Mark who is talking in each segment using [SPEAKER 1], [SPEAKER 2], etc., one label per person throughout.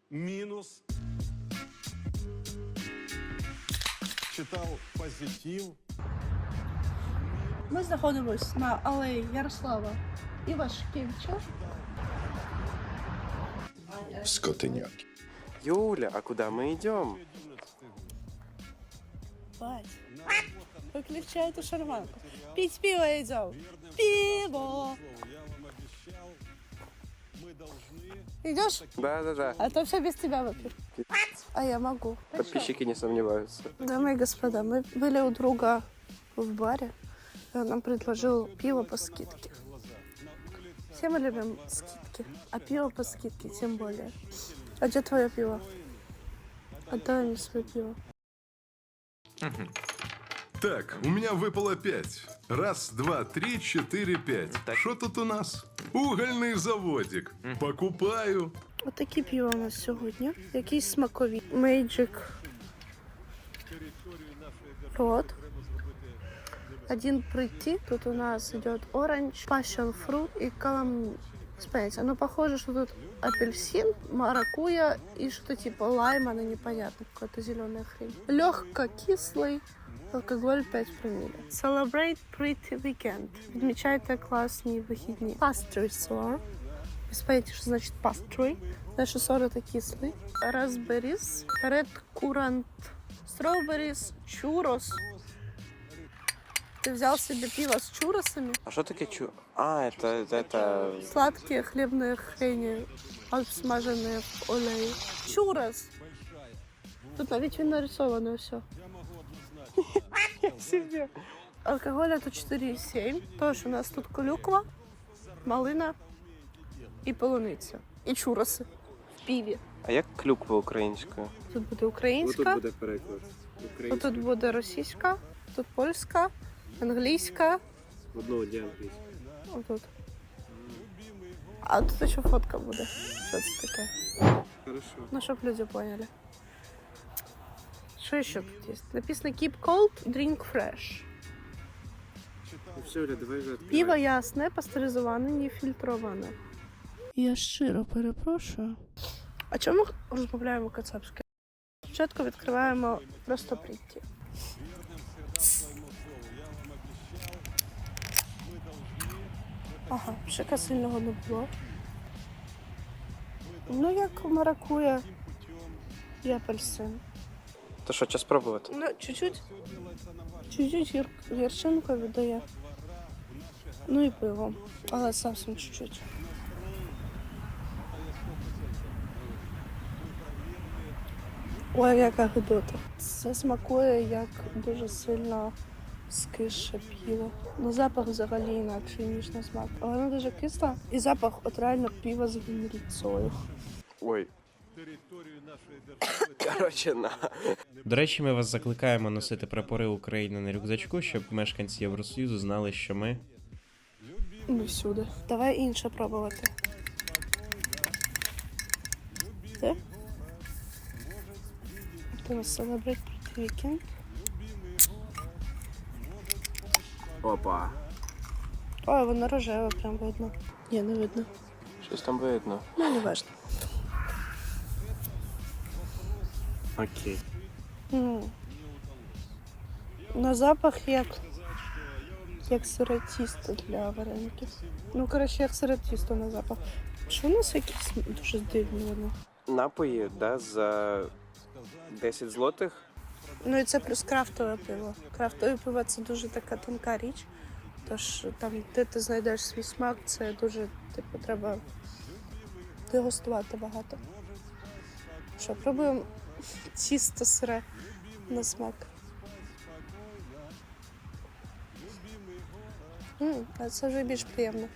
[SPEAKER 1] Минус. Читал позитив.
[SPEAKER 2] Ми знаходимось на алеї Ярослава Івашкевича.
[SPEAKER 3] Скотиняки.
[SPEAKER 4] Юля, а куда мы идем?
[SPEAKER 2] Бать, выключай эту шарманку. Пить пиво идем. Пиво. Идешь?
[SPEAKER 4] Да.
[SPEAKER 2] А то все без тебя выпьют. А я могу.
[SPEAKER 4] Подписчики не сомневаются.
[SPEAKER 2] Дамы и господа, мы были у друга в баре, и он нам предложил пиво по скидке. Все мы любим скидки, а пиво по скидке тем более. А где твое пиво? Отдай мне свое пиво.
[SPEAKER 5] Так, у меня выпало 5. Раз, два, три, четыре, пять. Что тут у нас? Угольный заводик. Покупаю.
[SPEAKER 2] Ось такі пиво у нас сьогодні. Якісь смакові. Magic Rod. Один Pretty. Тут у нас идет Orange, Passion Fruit и Calamity. Ну, похоже, что тут апельсин, маракуйя и что-то типа лайма, но непонятно, какая-то зеленая хрень. Легко кислый. Алкоголь 5 промилле. Celebrate Pretty Weekend. Відмічайте класні вихідні. Pastry Sour. Без понятия, что значит pastry. Знаешь, что сор это кислый. Raspberries. Red Currant. Strawberries. Churros. Ты взял себе пиво с чуросами?
[SPEAKER 4] А что такое А, это...
[SPEAKER 2] Сладкие хлебные хрени, обсмаженные в олее. Чурос. Тут навіть він нарисовано все. Алкоголь это 4,7. Тоже у нас тут клюква, малина і полуниця. І чуроси в пиві.
[SPEAKER 4] А як клюква українською?
[SPEAKER 2] Тут буде українська,
[SPEAKER 4] буде переклад.
[SPEAKER 2] тут буде російська, тут польська, англійська.
[SPEAKER 4] Одного дня англійська.
[SPEAKER 2] Отут. А тут ще фотка буде. Що це таке?
[SPEAKER 4] Хорошо.
[SPEAKER 2] Ну, щоб люди поняли. Що ще тут є? Написано Keep cold, drink fresh.
[SPEAKER 4] Ну все, Оля, давай вже відкривай.
[SPEAKER 2] Пиво ясне, пастеризоване, не фільтроване. Я щиро перепрошую. А чому ми розмовляємо кацапською? Спочатку відкриваємо просто Pretty. Ага, шика сильного не було. Ну, як маракуя і апельсин.
[SPEAKER 4] То що, час пробувати?
[SPEAKER 2] Ну, чуть-чуть гірчинку віддає. Ну і пиво, але зовсім чуть-чуть. Ой, яка гидота. Це смакує як дуже сильно скисше пиво. Ну, запах взагалі інакший, ніж на смак. Але воно дуже кисло. І запах от реально пива з гімріцою.
[SPEAKER 4] Ой. Короче, на.
[SPEAKER 6] До речі, ми вас закликаємо носити прапори України на рюкзачку, щоб мешканці Євросоюзу знали, що ми...
[SPEAKER 2] Ми всюди. Давай інше пробувати. Це? Це у нас Celebrate Pretty Weekend.
[SPEAKER 4] Опа.
[SPEAKER 2] Ой, воно рожеве, прям видно. Ні, не видно.
[SPEAKER 4] Щось там видно.
[SPEAKER 2] Ну, не важно.
[SPEAKER 4] Окей.
[SPEAKER 2] На запах як сире тісто для вареників. Ну, коротше, як сире тісто на запах. Що у нас якісь дуже дивні воно?
[SPEAKER 4] Напої, да, за 10 злотих.
[SPEAKER 2] Ну і це плюс крафтове пиво. Крафтове пиво – це дуже така тонка річ. Тож там, де ти знайдеш свій смак, це дуже, типу, треба дегустувати багато. Що, пробуємо тісто сире на смак. А це вже більш приємно.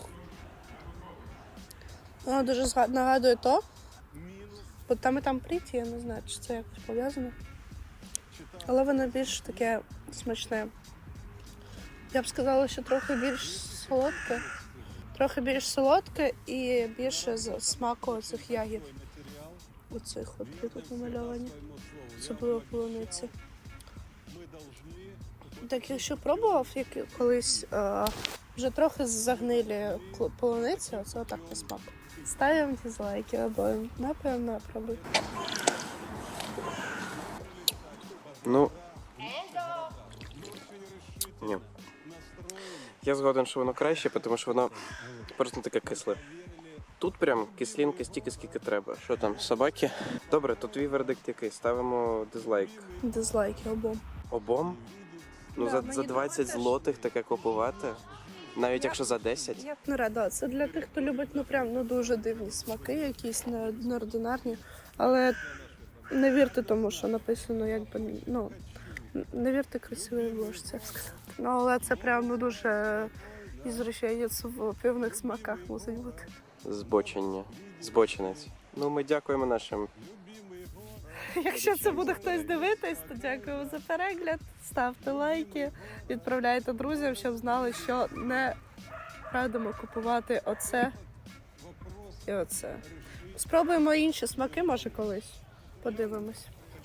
[SPEAKER 2] Воно дуже нагадує то. Бо там і там Pretty, я не знаю, чи це якось пов'язано. Але воно більш таке смачне. Я б сказала, що трохи більш солодке. Трохи більш солодке і більше з смаку цих ягід. Оцих от є тут намальовані. Особливо полуниці. Так, якщо пробував колись вже трохи загнилі полуниці, оце отак на смак. Ставим дизлайки обоим. Напевно, пробуй.
[SPEAKER 4] Ну. Ні. Я згоден, що воно краще, тому що воно просто таке кисле. Тут прям кислинка стільки, скільки треба. Що там, собаки? Добре, то твій вердикт який? Ставимо дизлайк.
[SPEAKER 2] Дизлайки обом.
[SPEAKER 4] Обом? Ну,
[SPEAKER 2] Да,
[SPEAKER 4] за
[SPEAKER 2] мені
[SPEAKER 4] 20
[SPEAKER 2] теж.
[SPEAKER 4] злотих таке купувати. Навіть якщо за 10.
[SPEAKER 2] Я б не рада. Це для тих, хто любить дуже дивні смаки, якісь неординарні. Але не вірте тому, що написано, не вірте красивій обложці, як сказати. Ну, але це прям дуже ізрощенець в пивних смаках мусить бути.
[SPEAKER 4] Збочення. Збочинець. Ну, ми дякуємо нашим.
[SPEAKER 2] Якщо це буде хтось дивитись, то дякую за перегляд. Ставте лайки, відправляйте друзям, щоб знали, що не радимо купувати оце і оце. Спробуємо інші смаки, може, колись. Подивимось.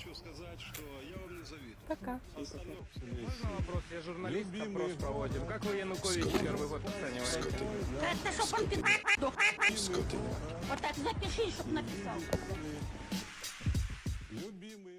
[SPEAKER 2] Пока.
[SPEAKER 7] Я журналист, опрос проводим. Как вы Янукович первый год оцениваете?
[SPEAKER 8] Это чтоб он
[SPEAKER 3] Скотиняки.
[SPEAKER 8] вот так запиши, чтоб написал.
[SPEAKER 1] Любимые.